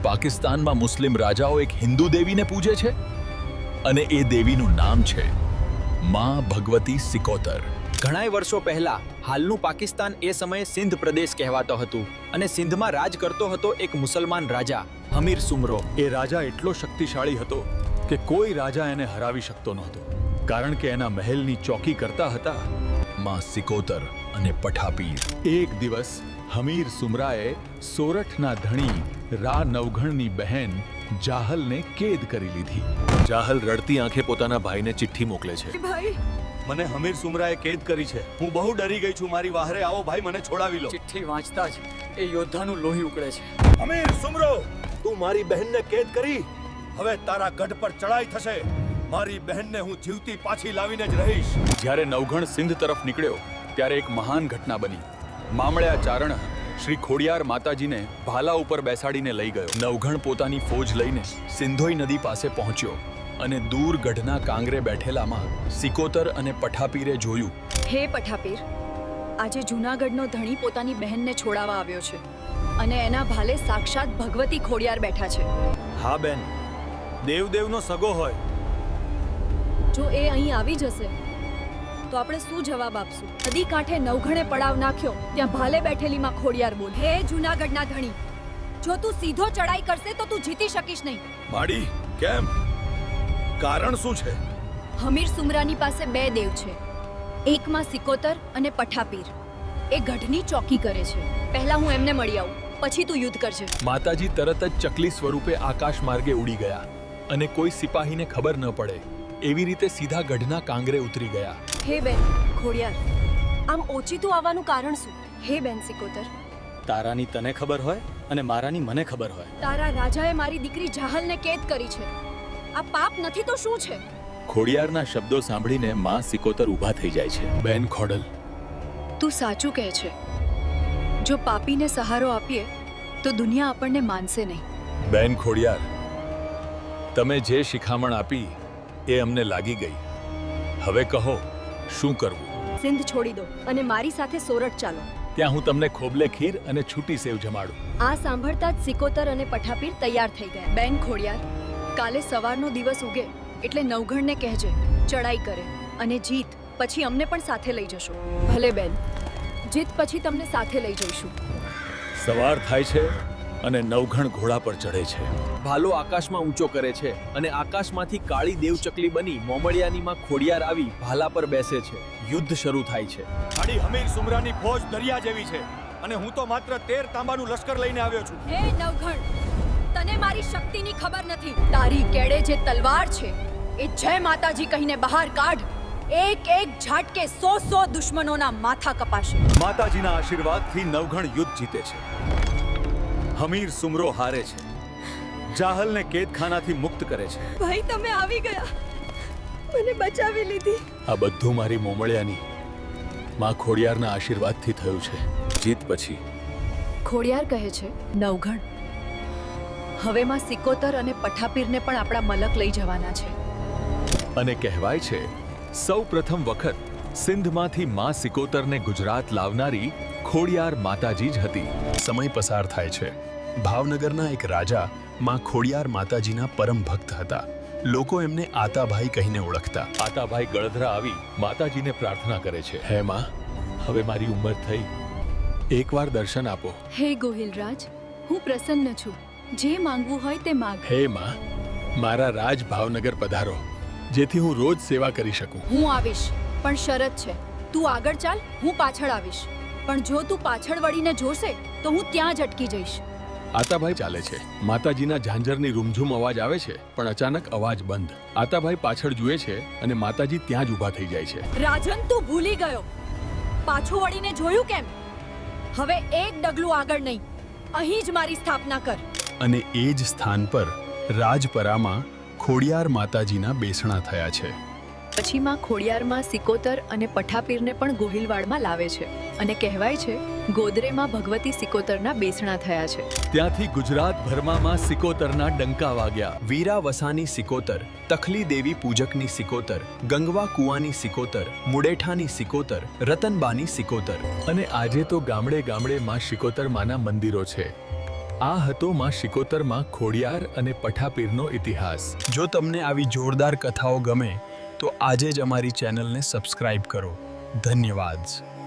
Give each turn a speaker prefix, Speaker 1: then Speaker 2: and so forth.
Speaker 1: પાકિસ્તાનમાં મુસ્લિમ રાજાઓ એક હિન્દુ દેવીને પૂજે છે અને એ દેવીનું નામ છે માં ભગવતી સિકોતર.
Speaker 2: ઘણાય વર્ષો પહેલા હાલનું પાકિસ્તાન એ સમયે સિંધ પ્રદેશ કહેવાતો હતું અને સિંધમાં રાજ કરતો હતો એક મુસલમાન રાજા હમીર સુમરો.
Speaker 3: એ રાજા એટલો શક્તિશાળી હતો કે કોઈ રાજા એને હરાવી શકતો નહોતો, કારણ કે એના મહેલની ચોકી કરતા હતા
Speaker 1: માં સિકોતર અને પઠાપીર.
Speaker 3: એક દિવસ હમીર સુમરાએ સોરઠના ધણી રા નવઘણની બહેન જાહલને કેદ કરી લીધી.
Speaker 4: જાહલ રડતી આંખે પોતાના ભાઈને ચિઠ્ઠી મોકલે છે.
Speaker 5: ભાઈ,
Speaker 3: મને હમીર સુમરાએ કેદ કરી છે. હું બહુ ડરી ગઈ છું. મારી વાહરે આવો ભાઈ, મને છોડાવી લો.
Speaker 2: ચિઠ્ઠી વાંચતા જ એ યોદ્ધાનું લોહી ઉકળે છે.
Speaker 3: હમીર સુમરો, તું મારી બહેનને કેદ કરી. હવે તારા ગઢ પર ચડાઈ થશે. મારી બહેનને હું જીવતી પાછી લાવીને જ રહીશ. જ્યારે નવઘણ સિંધ તરફ નીકળ્યો ત્યારે એક મહાન ઘટના બની. મામળ્યા ચારણ શ્રી ખોડિયાર માતાજીને ભાલા ઉપર બેસાડીને લઈ ગયો.
Speaker 1: નવઘણ પોતાની ફોજ લઈને સિંધોઈ નદી પાસે પહોંચ્યો અને દૂર ગઢના કાંગરે બેઠેલામાં સિકોતર અને પઠાપીરે જોયું.
Speaker 5: હે પઠાપીર, આજે જૂનાગઢનો ધણી પોતાની બહેનને છોડાવવા આવ્યો છે અને એના ભાલે સાક્ષાત ભગવતી ખોડિયાર બેઠા છે.
Speaker 3: હા બેન, દેવદેવનો સગો હોય.
Speaker 5: જો એ અહીં આવી જશે તો આપણે શું જવાબ આપશું? નદી કાંઠે નવઘણે પડાવ નાખ્યો, ત્યાં ભાલે બેઠેલીમાં ખોડિયાર બોલ. હે જૂનાગઢના ધણી, જો તું સીધો ચડાઈ કરશે તો તું જીતી શકીશ નહીં.
Speaker 3: માડી, કેમ? કારણ શું છે?
Speaker 5: હમીર સુમરાની પાસે બે દેવ છે, એકમાં સિકોતર અને પઠાપીર. એ ગઢની ચોકી કરે છે. પહેલા હું એમને મળી આવું, પછી તું યુદ્ધ કરજે.
Speaker 1: માતાજી તરત જ ચકલી સ્વરૂપે આકાશ માર્ગે ઉડી ગયા અને કોઈ સિપાહીને ખબર ન પડે એવી રીતે સીધા ગઢના કાંગરે ઉતરી ગયા.
Speaker 5: હે બેન ખોડિયાર, આમ ઓચિતું આવવાનું કારણ શું? હે બેન સિકોતર,
Speaker 3: તારાની તને ખબર હોય અને મારાની મને ખબર હોય.
Speaker 5: તારા રાજાએ મારી દીકરી જાહલને કેદ કરી છે. આ પાપ નથી તો શું છે?
Speaker 4: ખોડિયારના શબ્દો સાંભળીને માં સિકોતર ઊભા થઈ જાય છે.
Speaker 1: બેન ખોડલ,
Speaker 5: તું સાચું કહે છે. જો પાપીને સહારો આપીએ તો દુનિયા આપણને માનશે નહીં.
Speaker 1: બેન ખોડિયાર, તમે જે શિખામણ આપી એ અમને લાગી ગઈ. હવે કહો શું કરવું?
Speaker 5: સિંધ છોડી દો અને મારી સાથે સોરઠ ચાલો.
Speaker 1: ત્યાં હું તમને ખોબલે ખીર અને છૂટી સેવ જમાડું.
Speaker 5: આ સાંભળતા જ સિકોતર અને પઠાપીર તૈયાર થઈ ગયા. બેન ખોડિયાર, કાલે સવારનો દિવસ ઉગે એટલે નવઘણને કહેજે ચડાઈ કરે અને જીત પછી અમને પણ સાથે લઈ જશો. ભલે બેન, જીત પછી તમને સાથે લઈ જઈશું.
Speaker 3: સવાર થાય છે અને નવઘણ ઘોડા પર ચડે છે.
Speaker 2: ભાલો આકાશમાં ઊંચો કરે છે અને આકાશમાંથી કાળી દેવચકલી બની મોમળિયાનીમાં ખોડિયાર આવી ભાલા પર બેસે છે. યુદ્ધ શરૂ થાય છે.
Speaker 3: આડી હમીર સુમરાની ફોજ દરિયા જેવી છે અને હું તો માત્ર 13 તાંબાનું લશ્કર લઈને આવ્યો છું.
Speaker 5: હે નવઘણ, તને મારી શક્તિની ખબર નથી. તારી કેડે જે તલવાર છે એ જય માતાજી કહીને બહાર કાઢ. એક એક ઝાટકે 100 દુશ્મનોના માથા કપાશે.
Speaker 3: માતાજીના આશીર્વાદથી નવઘણ યુદ્ધ જીતે છે. હમીર સુમરો હારે છે. જાહલને કેદખાનાથી મુક્ત કરે છે.
Speaker 5: ભાઈ, તમે આવી ગયા, મને બચાવી લીધી.
Speaker 1: આ બધું મારી મોમળિયાની માં ખોડિયારના આશીર્વાદથી થયું છે.
Speaker 4: જીત પછી
Speaker 5: ખોડિયાર કહે છે, નવઘણ, હવે માં સિકોતર અને પઠાપીરને પણ આપણા મલક લઈ જવાના છે.
Speaker 1: અને કહેવાય છે સૌ પ્રથમ વખત સિંધમાંથી માં સિકોતરને ગુજરાત લાવનારી ખોડિયાર માતાજી જ હતી. સમય પસાર થાય છે. ભાવનગરના એક રાજા માં ખોડિયાર માતાજીના પરમ ભક્ત હતા. લોકો એમને આતાભાઈ કહીને ઓળખતા.
Speaker 3: આતાભાઈ ગળધરા આવી માતાજીને પ્રાર્થના કરે છે.
Speaker 1: હે માં, હવે મારી ઉંમર થઈ, એકવાર દર્શન આપો.
Speaker 5: હે ગોહિલરાજ, હું પ્રસન્ન છું. જે માંગવું હોય તે માંગ.
Speaker 1: હે માં, મારા રાજ ભાવનગર પધારો, જેથી હું રોજ સેવા કરી શકું.
Speaker 5: હું આવીશ, પણ શરત છે. તું આગળ ચાલ, હું પાછળ આવીશ. પણ જો તું પાછળ વળીને જોશે તો હું ત્યાં જ અટકી જઈશ.
Speaker 1: આતાભાઈ ચાલે છે. માતાજીના ઝાંઝરની રૂમઝૂમ અવાજ આવે છે, પણ અચાનક અવાજ બંધ. આતાભાઈ પાછળ જુએ છે અને માતાજી ત્યાં જ ઊભા થઈ જાય છે.
Speaker 5: રાજન, તું ભૂલી ગયો. પાછું વળીને જોયું કેમ? હવે એક ડગલું આગળ નહીં, અહીં જ મારી સ્થાપના કર.
Speaker 1: અને એ જ સ્થાન પર રાજપરામાં ખોડિયાર માતાજીના બેસણા થયા છે.
Speaker 5: પછી માં ખોડિયારમાં સિકોતર અને પઠાપીરને પણ ગોહિલવાડમાં લાવે છે અને કહેવાય છે ગોદરેમાં ભગવતી સિકોતરના બેસણા થયા છે.
Speaker 1: ત્યાંથી ગુજરાતભરમાં માં સિકોતરના ડંકા વાગ્યા.
Speaker 2: વીરા વસાની સિકોતર, તખલી દેવી પૂજકની સિકોતર, ગંગવા કુવાની સિકોતર, મુડેઠાની સિકોતર, રતનબાની સિકોતર.
Speaker 1: અને આજે તો ગામડે ગામડે માં સિકોતર માના મંદિરો છે. આ હતો માં શિકોતરમાં ખોડિયાર અને પઠાપીરનો ઇતિહાસ.
Speaker 6: જો તમને આવી જોરદાર કથાઓ ગમે તો આજે જ અમારી ચેનલને સબસ્ક્રાઇબ કરો. ધન્યવાદ.